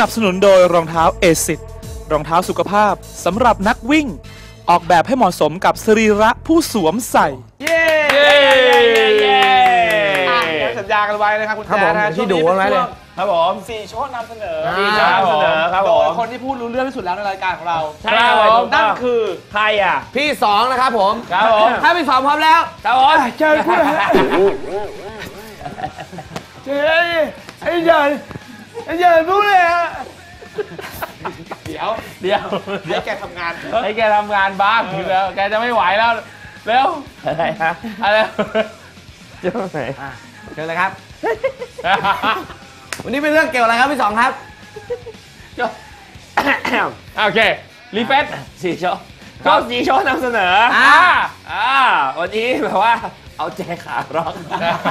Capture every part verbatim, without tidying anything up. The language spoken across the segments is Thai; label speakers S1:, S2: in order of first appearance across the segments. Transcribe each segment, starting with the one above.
S1: นับสนุนโดยรองเท้าเอซิดรองเท้าสุขภาพสำหรับนักวิ่งออกแบบให้เหมาะสมกับสรีระผู้สวมใส่
S2: เย้เย้เย้สัญญากันไว้นะครับคุณแจ๊นะที่ดูไว้เลยครับผมสี่โชว์นำเสนอสี่โชว์นำเสนอครับผมโดยคนที่พูดรู้เรื่องที่สุดแล้วในรายการของเราใช่ครับผมนั่นคือใครอ่ะพี่สองนะครับผมครับผมถ้าพี่สองพร้อมแล้วครับผมเชิญพูดฮะเชิญไอ้เชิญไอ้เชิญพูดเลยฮะเดี๋ยวเดี๋ยวให้แกทำงานให้แกทำงานบ้างแล้วแกจะไม่ไหวแล้วเร็วอะไรฮะอะไรเจ้าไหนเชิญเลยครับวันนี้เป็นเรื่องเกี่ยวอะไรครับพี่สองครับโอเครีเฟซสี่โชว์ก็สี่โชว์นำเสนออ่าอ่าวันนี้แบบว่าเอาแจขาร็อก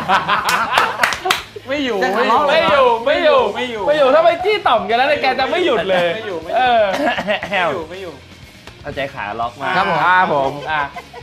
S2: ไม่อยู่ไม่อยู่ไม่อยู่ไม่อยู่ไม่อยู่ไม่อยู่ถ้าไปจี้ต่อมกันแล้วแกจะไม่หยุดเลยไม่อยู่ไม่อยู่ไม่อยู่เอาใจขาล็อกมาครับผมครับผมอ่ะ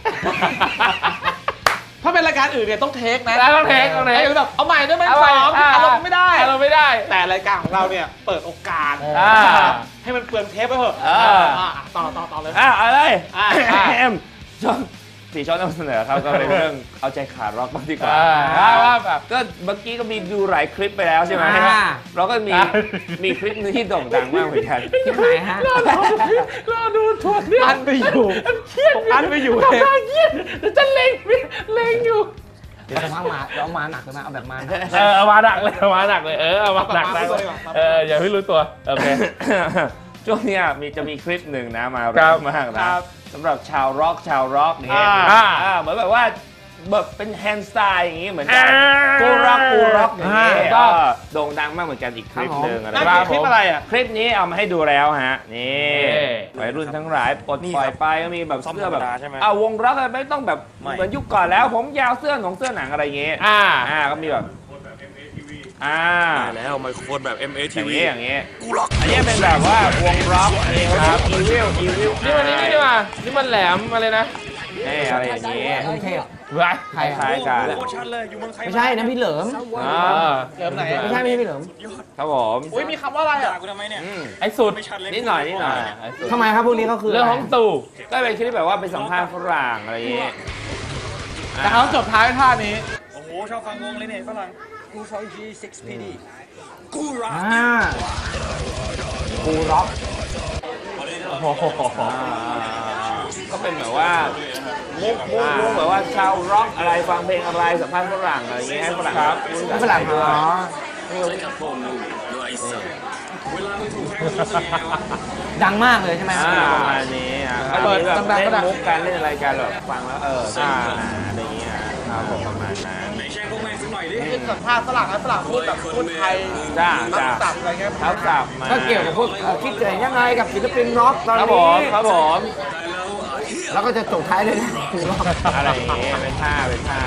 S2: ถ้าเป็นรายการอื่นเนี่ยต้องเทคนะต้องเทคต้องเทคแบบเอาใหม่ด้วยไหมสองอารมณ์ไม่ได้อารมณ์ไม่ได้แต่รายการของเราเนี่ยเปิดโอกาสให้มันเปลืองเทปไปเถอะต่อต่อต่อเลยอ่ะอะไรเอ็มชอบสี่ช้อนนำเสนอครับก็เป็นเรื่องเอาใจขาร็อกบ้างดีกว่าว่าแบบก็เมื่อกี้ก็มีดูหลายคลิปไปแล้วใช่ไหมเราก็มีมีคลิปนึงที่โด่งดังมากเหมือนกันคลิปไหนฮะรอดูทัวร์อันไปอยู่อันไปอยู่เลยจะเล็งเล็งอยู่เดี๋ยวจะมามาเอามาหนักเลยนะเอาแบบมาเออเอามาหนักเลยเอามาหนักเลยเออเอามาหนักเลยเอออย่าให้รู้ตัวโอเคช่วงนี้มีจะมีคลิปหนึ่งนะมาแรงมากนะสำหรับชาวร็อกชาวร็อกเนี่ยเหมือนแบบว่าแบบเป็นแฮนด์สไตล์อย่างงี้เหมือนกันกูร็อกกูร็อกอย่างงี้ก็โด่งดังมากเหมือนกันอีกคลิปหนึ่งอะไรคลิปอะไรอ่ะคลิปนี้เอามาให้ดูแล้วฮะนี่วัยรุ่นทั้งหลายปลดปล่อยไปก็มีแบบเสื้อแบบอ่าวงร็อกไม่ต้องแบบเหมือนยุคก่อนแล้วผมยาวเสื้อของเสื้อหนังอะไรอย่างงี้อ่าอ่าก็มีแบบอ่าแล้วไมโครโฟนแบบ เอ็ม เอ ที วี อย่างเงี้ยกูร็อกอันนี้เป็นแบบว่าวงร็อกนี่ครับอีวิลอีวิลนี่มันนี่นี่มานี่มันแหลมอะไรนะนี่อะไรอย่างเงี้ยเท่อะใครคล้ายกันไม่ใช่นะพี่เหลิมเหลิมไหนไม่ใช่ไม่ใช่พี่เหลิมครับผมอุ้ยมีคำว่าอะไรอ่ะไอ้สุดนิดหน่อยนิดหน่อยทำไมครับพวกนี้เขาคือเรื่องของตู่ก็เป็นคลิปแบบว่าไปสัมภาษณ์ฝรั่งอะไรอย่างเงี้ยแต่เขาจบท้ายท่านี้โอ้โหชอบฟังวงเลยเนี่ยฝรั่งกูฟองจีซิกซ์พีดีกูร็อกกูร็อกก็เป็นแบบว่ามุกมุกมุกแบบว่าชาวร็อกอะไรฟังเพลงอะไรสัมภาษณ์ฝรั่งอะไรอย่างเงี้ยให้ฝรั่งครับฝรั่งเหรอดังมากเลยใช่ไหมประมาณนี้อ่ะเปิดแบบเล่นมุกการเล่นอะไรกันแบบฟังแล้วเอออะไรอย่างเงี้ยครับผมประมาณนั้นเป็นสัมภาษณ์ฝรั่งนะฝรั่งพูดแบบพูดไทยจ้าจ้าสับอะไรเงี้ยทับศัพท์มาก็เกี่ยวกับพวกคิดเห็นยังไงกับศิลปินร็อกตอนนี้ครับผมแล้วก็จะจบท้ายด้วยอะไรอย่างเงี้ยเป็นท่าเป็นท่า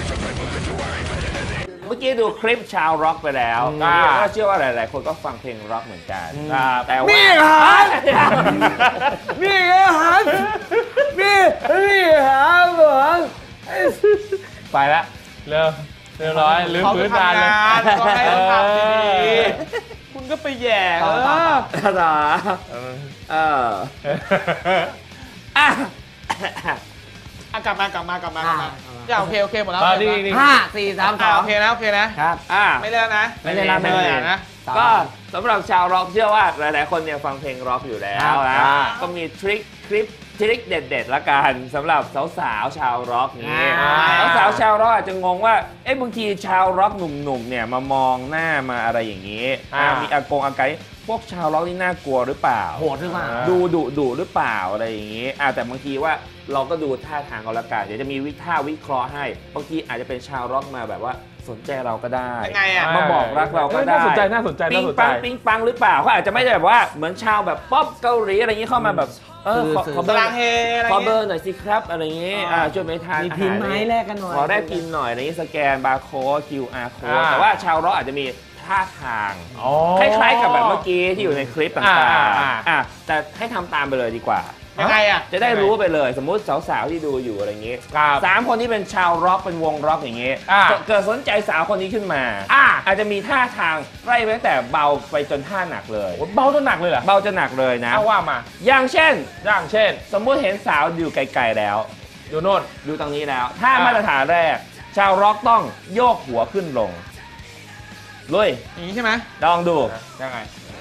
S2: เมื่อกี้ดูคลิปชาวร็อกไปแล้วก็เชื่อว่าหลายๆคนก็ฟังเพลงร็อกเหมือนกันแต่ว่านี่ฮันนี่ฮันนี่นี่ฮันหลวงไปละเร็วเรียบร้อยลืมพื้นงานเลยก็ให้เขาทำดีๆคุณก็ไปแย่เออต่อเอออ่ะกลับมากลับมากลับมากลับมาจะโอเคโอเคหมดแล้วห้าสี่สามสองโอเคนะโอเคนะครับอ่าไม่เล่นนะไม่เล่นไม่เล่นนะก็สำหรับชาวร็อกเชื่อว่าหลายๆคนเนี่ยฟังเพลงร็อกอยู่แล้วนะก็มีทริคคลิปทริคเด็ดๆละกันสำหรับสาวๆชาวร็อกนี้สาวๆชาวร็อกอาจจะงงว่าเอ๊ะบางทีชาวร็อกหนุ่มๆเนี่ยมามองหน้ามาอะไรอย่างนี้มีอากงอาการพวกชาวร็อกนี่น่ากลัวหรือเปล่าโหดหรือเปล่าดูดุดุหรือเปล่าอะไรอย่างนี้แต่บางทีว่าเราก็ดูท่าทางเขาละกันเดี๋ยวจะมีวิท่าวิเคราะห์ให้บางทีอาจจะเป็นชาวร็อกมาแบบว่าสนใจเราก็ได้มาบอกรักเราก็ได้น่าสนใจน่าสนใจปิ๊งปังปิ๊งปังหรือเปล่าเขาอาจจะไม่ได้แบบว่าเหมือนชาวแบบป๊อปเกาหลีอะไรอย่างนี้เข้ามาแบบเออขอเบอร์ขอเบอร์หน่อยสิครับอะไรอย่างนี้ช่วยไปทานมีพิมพ์ไม้แลกกันหน่อยขอได้พิมพ์หน่อยอะไรอย่างนี้สแกนบาร์โค้ด คิว อาร์ code แต่ว่าชาวร็อกอาจจะมีท่าทางคล้ายๆกับแบบเมื่อกี้ที่อยู่ในคลิปต่างๆแต่ให้ทำตามไปเลยดีกว่ายังไงอ่ะ
S3: จะได้รู้ไปเลยสมมุติสาวๆที่ดูอยู่อะไรอย่างงี้สามคนที่เป็นชาวร็อกเป็นวงร็อกอย่างงี้เกิดสนใจสาวคนนี้ขึ้นมาอาจจะมีท่าทางไล่ไปตั้งแต่เบาไปจนท่าหนักเลย
S2: เบาจนหนักเลยเหรอ
S3: เบาจนหนักเลยนะ
S2: ว่ามา
S3: อย่างเช่น
S2: อย่างเช่น
S3: สมมุติเห็นสาวอยู่ไกลๆแล้ว
S2: อยู่โน่น
S3: ดูตรงนี้แล้วท่ามาตรฐานแรกชาวร็อกต้องโยกหัวขึ้นลงลุย
S2: อย่างนี้ใช่ไหม
S3: ลองดู
S2: ยังไง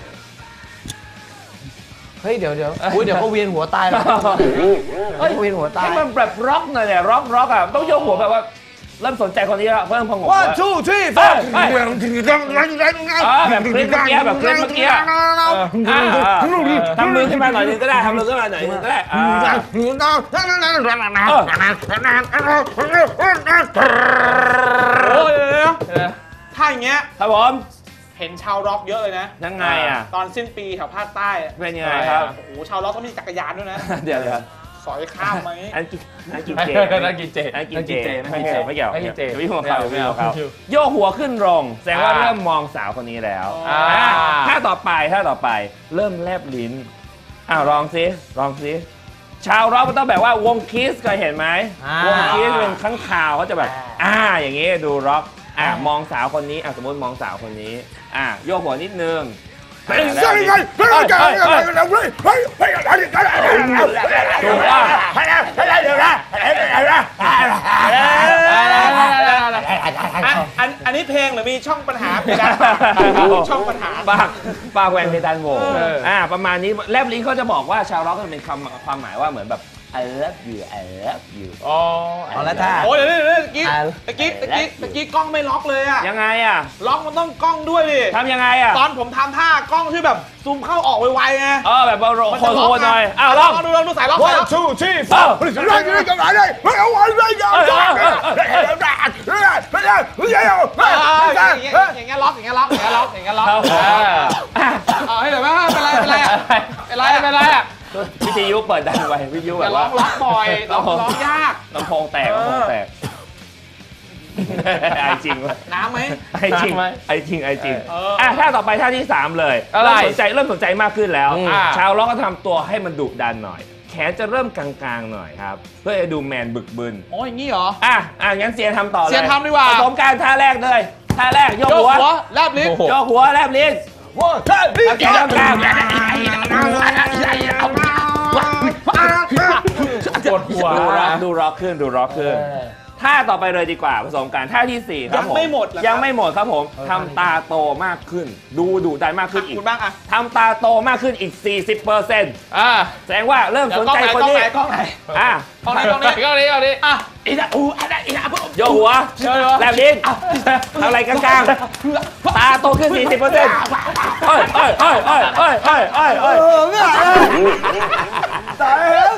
S4: เฮ้ยเดี๋ยวเดี๋ยวอุ้ยเดี๋ยวก็เวียนหัวตายแล้วเฮ้ยเวียนหัวตาย
S3: ให้มันแบบร็อกหน่อยเนี่ยร็อกร็อกอ่ะต้องโยกหัวแบบว่าเริ่มสนใจคนนี้แล้วเริ่มพอง
S4: ว่าชูที่ฟ้าแบบคลิปเ
S3: มื่อกี้แบบคลิปเมื่อกี้ทำมือขึ้นมาหน่อยนึงก็ได้ทำมือขึ้นมาหน่อยนึงก็ได้
S2: โอ้ยถ้าอย่างเงี้ย
S3: ครับผม
S2: เห็นชาวร็อกเยอะเลยนะ
S3: ยังไงอ่ะ
S2: ตอนสิ้นปีแถวภาคใต้
S3: เป็นยังไงครับ
S2: โอ้โหชาวร็อกก็มีจักรยานด้วยนะ
S3: เดี๋ยวเลย
S2: สอยข้ามไหม
S3: อันกินอันกินเจ
S4: อันกินเจ
S3: อันกินเจไม่เกี่ยวไม่เกี่ยว
S4: ไม่กินเจ
S3: ไม่หัวเขาไม่หัวเขาโยกหัวขึ้นลงแสดงว่าเริ่มมองสาวคนนี้แล้วถ้าต่อไปถ้าต่อไปเริ่มแลบลิ้นอ้าวลองซิลองซิชาวร็อกมันต้องแบบว่าวงคิสเคยเห็นไหมวงคิสเป็นข้างข่าวเขาจะแบบอ่าอย่างงี้ดูร็อกอ่ามองสาวคนนี้อ่ะสมมติมองสาวคนนี้อ่ะโยกหัวนิดนึงถูกป่ะ
S2: อันนี้เพลงหรือมีช่องปัญหาเพดานช่องปัญหา
S3: ปากปากแหวนเพดานโหวอ่าประมาณนี้แลบลิ้นเขาจะบอกว่าชาวร็อกมันเป็นคำความหมายว่าเหมือนแบบI love you I love you
S2: อ๋อ
S4: เอาละท่า
S2: โอ้ยเดี๋ยวเดี๋ยวเมื่อกี้เมื่อกี้เมื่อกี้เมื่อกี้กล้องไม่ล็อกเลยอะ
S3: ยังไงอะ
S2: ล็อกมันต้องกล้องด้วยดิ
S3: ทำยังไงอะ
S2: ตอนผมทำท่ากล้องที่แบบซูมเข้าออกไวๆไง
S3: เออแบบโรโคโคหน่อยอ้าวลอง
S2: ดูลองดูสายล็อกสายล็อก
S4: ชูชีฟ้าไม่ได้ไม่ได้เลยไม่เอาไว้ไม่เอาอย่างเ
S2: งี้ยล็อกอย่างเงี้ยล็อกอย่างเงี้ยล็อกอย่างเงี้ยล็อกเอาให้เลยว่าเป็นไรเป็นไรเป็นไรเป็นไรอะ
S3: วิทยุเปิดดังไว้วิทยุแบบว่า
S2: ล็อกบ่อยล็อกยาก
S3: ลำโพงแตกลำโพงแตกไอจริงวะ
S2: น้ำไหม
S3: ไอจริงไอจริงไอจริงอ่ะท่าต่อไปท่าที่สามเลยเริ่มสนใจเริ่มสนใจมากขึ้นแล้วชาวล็อกก็ทำตัวให้มันดุดันหน่อยแขนจะเริ่มกลางๆหน่อยครับเพื่อจะดูแมนบึกบึน
S2: โอ้ยอย่างนี้เหรอ
S3: อ่ะอ่ะงั้นเซียนทำต่อเลย
S2: เซียนทำดีกว่า
S3: ผสมการท่าแรกเลยท่าแรกโยกหัว
S2: แลบลิ้น
S3: โยกหัวแลบลิ้น
S4: ว้าวท่าลิ้น
S3: แขนกลาง
S2: ปวดหัว
S3: ดูร็อกดูร็อกขึ้นดูร็อกขึ้นท่าต่อไปเลยดีกว่าผสมกันท่าที่สี่ครับผม
S2: ยังไม่หมด
S3: ยังไม่หมดครับผมทำตาโตมากขึ้นดูดุดันมากขึ้นอีก
S2: คุณบ้างอะ
S3: ทำตาโตมากขึ้นอีก สี่สิบเปอร์เซ็นต์
S2: อ่า
S3: แสดงว่าเริ่มสนใจคนนี้
S2: กล้องไหน
S3: อ่ะ
S2: กล้องไหนกล้องนี้กล้องนี้กล้องนี้อ่ะ
S3: อีน่าอูอะไรอีน่าโยหัวแลบลิ้นทำอะไรกลางๆตาโตขึ้น สี่สิบเปอร์เซ็นต์ เอ้ยเอ้ยเอ้ยเอ้ยเอ้ยเอ้ยเอ้ยเอ้ย
S4: ตายแล้ว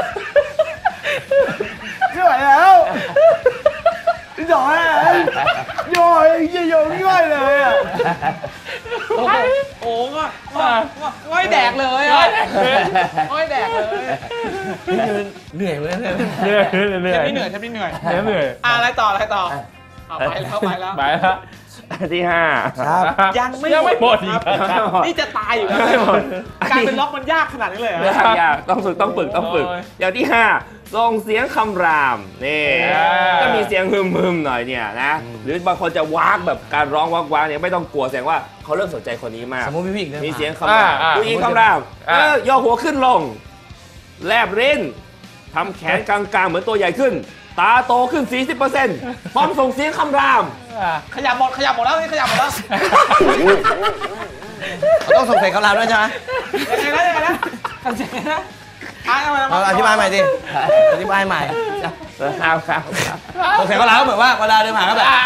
S4: ไม่ไหวแล้วหน่อยหน่อยยิ่งยิ่งง่ายเลยอ่ะ
S2: โอ้โหก็ง่อยแดกเลยอ่ะง่อยแดกเลย
S4: เหนื่อยเลย
S3: เหนื่อยเหนื่อย
S2: เหนื่อยแทบไม่เหนื่อย
S3: เหนื่อย
S2: อะไรต่ออะไรต่อไปแล้วไปแล้ว
S3: ไปแล้วที่ห้า
S2: ยังไม่หมดนี่จะตายอยู่แล้วการเป็นล็อกมันยากขนาดนี้เลยเหร
S3: อยากต้องฝึกต้องฝึกต้องฝึกอย่างที่ห้าส่งเสียงคำรามนี่ก็มีเสียงฮึมฮึมหน่อยเนี่ยนะหรือบางคนจะวากแบบการร้องวากวากเนี่ยไม่ต้องกลัวแสดงว่าเขาเริ่มสนใจคนนี้มาก
S4: สมมติพี่
S3: มีเสียงคำรามผู้หญิงคำรามเออย่อหัวขึ้นลงแลบลิ้นทำแขนกลางๆเหมือนตัวใหญ่ขึ้นตาโตขึ้น สี่สิบเปอร์เซ็นต์ พร้อมส่งเสียงคำราม
S2: ขยับหมดขยับหมดแล้วนี่ขยับหมดแล้ว
S4: ต้องส่งเสียงคำรามด้วยใช่ไหม
S2: ยังไงนะยังไงนะทำเสียงนะ
S4: เอาอธิบายใหม่ดิอธิบายใหม่
S3: ครับครับ
S4: ส่งเสียงคำรามเหมือนว่าเวลาเดินผ่านก็แบบ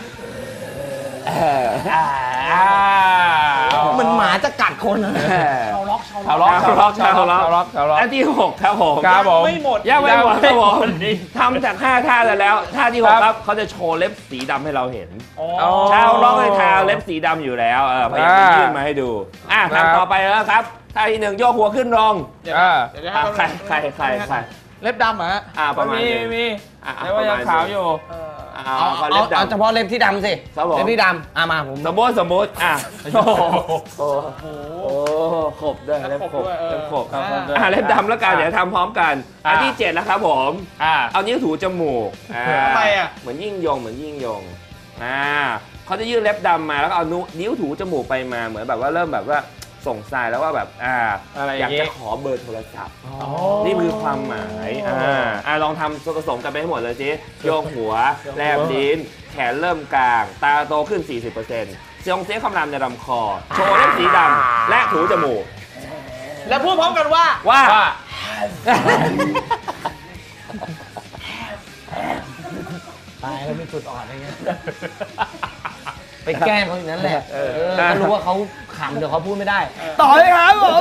S4: มันหมาจะกัดคน
S2: ชาวล็อกชาว
S3: ล็อกชาวล็อกชาวล็อกชาวล็อกชาวล็อกอันที่หกครับผม
S2: ครับผมไม่หมด
S3: ยังไม่หมดครับผมทำจากห้าท่าแล้วท่าที่หกครับเขาจะโชว์เล็บสีดำให้เราเห็นชาวล็อกให้ทาเล็บสีดำอยู่แล้วเออพยายามยื่นมาให้ดูอ่ะทำต่อไปแล้วครับท่าที่หนึ่งโยกหัวขึ้นลงใครใครใครใคร
S2: เล็บดำเหรอ
S3: อ่าประมาณ
S2: มีมีแต่ว่ายังขาวอยู่
S3: อเอา
S4: เอา
S3: เอา
S4: เอา
S3: เล็บ
S4: เอา
S3: ดำ
S4: เฉพาะเล็บที่ดำสิ
S3: ครับผม
S4: เล็บที่ดำอ่ะมาผม
S3: สมมติสมมติอ่ะโอ้โหโอ้โหโอ้โหขบด้วยเล็บขบเล็บขบ
S2: อ่า
S3: อ่ะเล็บดำแล้วกันเดี๋ยวทำพร้อมกันอันที่เจ็ดแล้วครับผม
S1: อ่า
S3: เอานิ้วถูจมูกอ่า
S2: ทำไมอ่ะ
S3: เหมือนยิ่งยงเหมือนยิ่งยงอ่าเขาจะยื่นเล็บดำมาแล้วก็เอานิ้วถูจมูกไปมาเหมือนแบบว่าเริ่มแบบว่าส่งสายแล้วว่าแบบอ่า
S1: อะไรอ
S3: อยา
S1: ย่าก งงี้
S3: จะขอเบอร์โทรศัพท์นี่คือความหมายอ่าอ่าลองทำผสมกันไปให้หมดเลยสิโยกหัวแลบลิ้นแขนเริ่มกลางตาโตขึ้น สี่สิบเปอร์เซ็นต์ เสียงเสียงคำรามในลำคอโชว์เล็บสีดำและถูจมูก
S2: แล้วพูดพร้อมกันว่า
S3: ว่า
S4: ตายแล้วมีจุดอ่อนอะไรเงี้ยไปแกล้งเขาอย่างนั้นแหละเออเขารู้ว่าเขาขำเดี๋ยวเขาพูดไม่ได้ ต่อเลยครับผม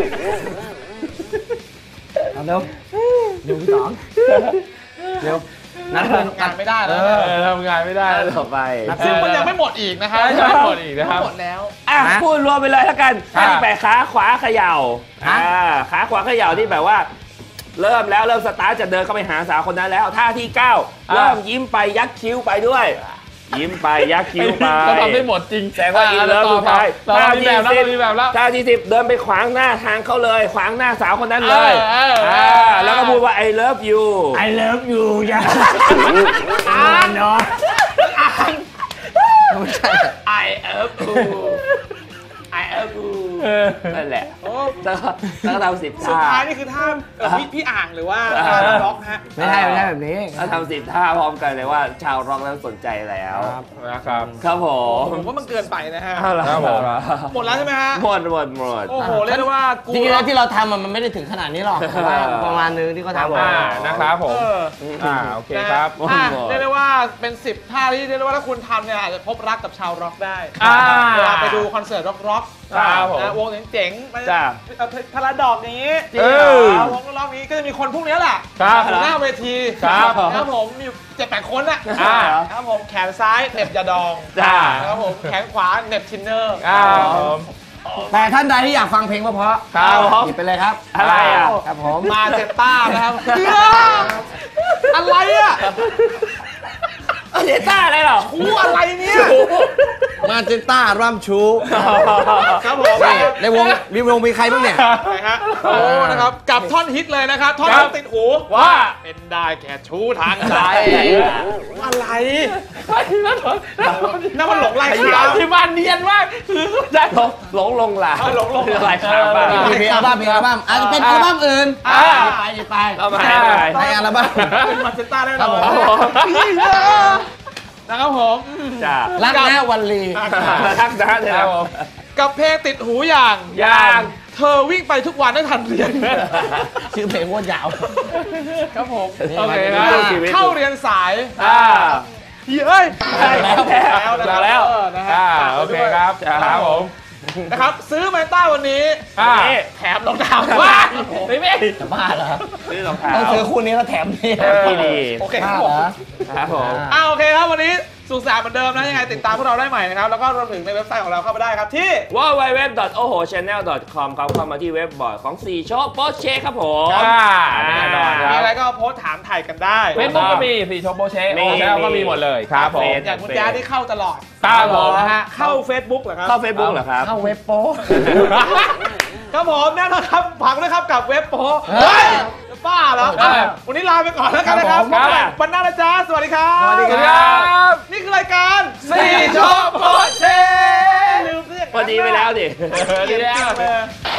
S4: เอาเร็วเร็วพี่ต๋องเร็วนัดเพื่อน
S2: งานไม่ได้แล้ว
S1: เออทำงานไม่ได้แล้ว
S3: ต่อไป
S2: ซึ่งมันยังไม่หมดอีกนะครับ
S1: ยังไม่หมดอีกนะครับ
S2: หมดแล้ว
S3: อ่ะพูดรวมไปเลยแล้วกัน
S1: ครับ
S3: ท่าที่แปดขาขวาเขย่าอ่าขาขวาเขย่าที่แบบว่า เริ่มแล้วเริ่มสตาร์ทจะเดินเข้าไปหาสาวคนนั้นแล้วท่าที่เก้าเริ่มยิ้มไปยักคิ้วไปด้วย ยิ้มไปยักคิ้วไป
S1: ก็ทำได้หมดจริง
S3: แสดงว่าอินเลิฟสุดท้าย
S1: เรามีแบบแล้วเรามีแบบแล้ว
S3: ท่าที่สิบเดินไปขวางหน้าทางเขาเลย ขวางหน้าสาวคนนั้นเลย
S1: เออเออเออ
S3: อ่าแล้วก็พูดว่า I love you
S4: I love you จ้ะอ่านเนาะไม่ใช่
S3: I love you I love you นั่นแหละ
S2: โอ้
S3: แล้วก็แล้วก็ทำสิบ
S2: สุด
S3: ท่า
S2: ท้ายนี่คือท่าเอ่อพี่พี่อ่างหรือว่าท่าล็อกฮะ
S4: ไม่ใช่ไม่ใช่แบบนี้
S3: แล้วทำสิบท่าพร้อมกันเลยว่าชาวร็อกนั้นสนใจแล้ว
S1: นะครับ
S3: ครับผม
S2: ผมว่ามันเกินไปนะฮะ
S1: ครับผม
S2: หมดแล้วใช่ไหมฮะ
S3: หมดหมดหมด
S2: โอ้โหเรียกได้ว่ากู
S4: จริงๆแล้วที่เราทำอะมันไม่ได้ถึงขนาดนี้หรอกแต่ว่าประมาณนึงที่เขาทำ
S1: อ่า
S4: มา
S1: นะครับผม
S2: เออ
S1: อ่าโอเคครับ
S2: นะฮะอ่ะเรียกได้ว่าเป็นสิบท่าที่เรียกได้ว่าถ้าคุณทำเนี่ยอาจจะพบรักกับชาวร็อกได้
S1: อ่า
S2: เวลาไปดูคอนเสิร์ตร็อก
S1: ครับผม
S2: นะวงเจ๋งๆไป
S3: จ้า
S2: เอาพาราดอกอย่างนี้
S1: จริงเหรอ
S2: เอาวงร็อกนี้ก็จะมีคนพวกนี้แหละ
S1: ครับ
S2: อยู่หน้าเวที
S1: ครับ
S2: ครับผมมีอยู่เจ็ดแปดคนอ่ะ
S1: อ่า
S2: ครับผมแขนซ้ายเหน็บยาดอง
S1: จ้า
S2: ครับผมแขนขวาเหน็บทินเนอร์
S1: อ่าผม
S4: แต่ท่านใดที่อยากฟังเพลงเพราะๆ
S1: ครับผม
S4: หยิบไปเลยครับ
S3: อะไรอ่ะ
S4: ครับผม
S2: มาเจตต้านะครับอะไรอ่ะ
S3: เดต้าอะไรหรอ
S2: คู่อะไรเนี่ย
S4: มาเจนต้ารัมชู
S2: ครับผม
S4: นี่ในวงมีวงมีใครบ้างเนี่ย
S2: ไหนฮะโอ้นะครับกับท่อนฮิตเลยนะครับท่อน
S1: ครั
S2: ที่
S1: บ
S2: ติดหู
S1: ว่า
S2: เป็นได้แค่ชู้ทางใจอะไรนั่นมันหลงลายขาว
S1: ที่บ้านเนียนมากคือได้
S3: หลงหลงลงหลา
S2: เอาหลงลง
S3: อะไรครับบ้าง
S4: มีเพลงอัลบั้มเพลงอัลบั้มอาจจะเป็นอัลบั้มอื่น
S2: อ่า
S4: ไปหยิบไป
S3: เอามาให้ไป
S4: ในอัลบั้ม
S2: เป็นมาเจต้าแน่น
S4: ครั
S2: อบ
S4: ผม
S2: นนะครับผม
S3: จ้า
S4: รักนะวันลี
S3: ทักนะเดี๋ยว
S2: กับเพลงติดหูอย่าง
S3: อย่าง
S2: เธอวิ่งไปทุกวันได้ทันเรียน
S4: ชื่อเพลงว่ายาว
S2: ครับผม
S1: โอเคครับ
S2: เข้าเรียนสาย
S3: อ่า
S2: เฮ้ย
S3: แล้วแล้ว
S2: แล้ว
S1: แล้ว
S2: เออนะฮะ
S1: อ่าโอเคครับครับผม
S2: นะครับซื้อแมนต้าวันนี้
S1: อ่า
S2: แถมรองเท้าว้าไม่ไม่
S4: จะบ้าเหรอ
S3: ซื้อรองเท้า
S4: ต้องซื้อคู่นี้แล้วแถมนี่
S3: ที่ดี
S2: โอเคค
S4: บ้า
S2: รับผ
S4: เหร
S2: ม
S4: อ
S3: ครับผม
S2: อ่าโอเคครับวันนี้สุขสันต์เหมือนเดิมนะยังไงติดตามพวกเราได้ใหม่นะครับแล้วก็รวมถึงในเว็บไซต์ของเราเข้าไปได้ครับที่
S3: ดับเบิลยู ดับเบิลยู ดับเบิลยู ดอท โอโห ชาแนล ดอท คอม ครับเข้ามาที่เว็บบอร์ดของสี่โชว์โปสเชครับผม
S1: อ่าแน่นอนค
S2: มี
S1: รับ
S2: อะไรก็โพสต์ถามถ่ายกันได้
S1: เฟซบุ๊กก็มีสีชมโปเชโอ้แล้วก็มีหมดเลยครับผม
S2: อย่างคุณแจ๊ดที่เข้าตลอด
S1: ครับผม
S2: นะฮะเข้า Facebook เหรอครับ
S3: เข้าเฟซบุ๊กเหรอครับ
S4: เข้าเว็บโป๊
S2: ครับผมแน่นอนครับผักด้วยครับกับเว็บโพส
S4: เฮ้ย
S2: จะบ้าเหรอ
S1: เออ
S2: วันนี้ลาไปก่อนแล้วกันนะครับ
S1: ครับผม
S2: พบกันวันหน้านะจ๊ะสวัสดีครับ
S4: สวัสดีค
S1: ครับ
S2: นี่คือรายการ
S1: สี่โชว์โปเช
S2: ลืมเรื่อง
S3: พอดีไปแล้วดิ
S1: ดีแล้ว
S2: เลย